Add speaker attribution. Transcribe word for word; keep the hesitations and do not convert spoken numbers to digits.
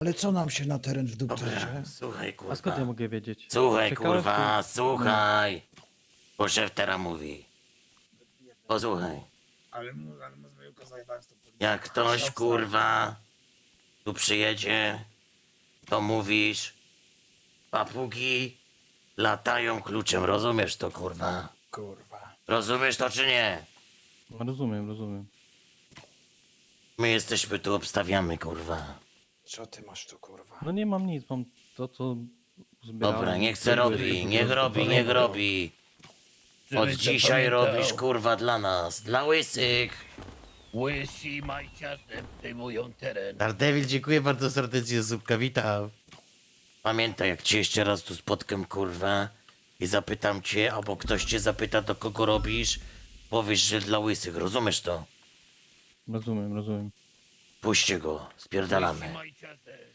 Speaker 1: Ale co nam się na teren w
Speaker 2: Dobra,
Speaker 1: dupterze?
Speaker 2: słuchaj, kurwa.
Speaker 3: A skąd ja mogę wiedzieć?
Speaker 2: Słuchaj,
Speaker 3: Czekałeś
Speaker 2: kurwa,
Speaker 3: tu?
Speaker 2: słuchaj. Bo szef teraz mówi. Posłuchaj.
Speaker 1: Ale mu, ale mu zmyłka zajebałem z tą policją.
Speaker 2: Jak ktoś, kurwa, tu przyjedzie, to mówisz, papugi latają kluczem, rozumiesz to, kurwa?
Speaker 1: Kurwa.
Speaker 2: Rozumiesz to, czy nie?
Speaker 3: No, rozumiem, rozumiem.
Speaker 2: My jesteśmy tu, obstawiamy, kurwa.
Speaker 1: Co ty masz tu, kurwa?
Speaker 3: No nie mam nic, mam to, co zbierałem.
Speaker 2: Dobra, niech se
Speaker 3: Cegły,
Speaker 2: robi,
Speaker 3: po
Speaker 2: niech
Speaker 3: prostu
Speaker 2: robi,
Speaker 3: parę-
Speaker 2: niech robi. Od dzisiaj robisz, kurwa, dla nas, dla łysych.
Speaker 4: Łysi majciasem przejmują teren.
Speaker 2: Daredevil, dziękuję bardzo serdecznie, Zupka, witam. Pamiętaj, jak cię jeszcze raz tu spotkam, kurwa, i zapytam cię, albo ktoś cię zapyta, do kogo robisz, powiesz, że dla łysych, rozumiesz to?
Speaker 3: Rozumiem, rozumiem.
Speaker 2: Puśćcie go, spierdalamy.
Speaker 4: Majciasem.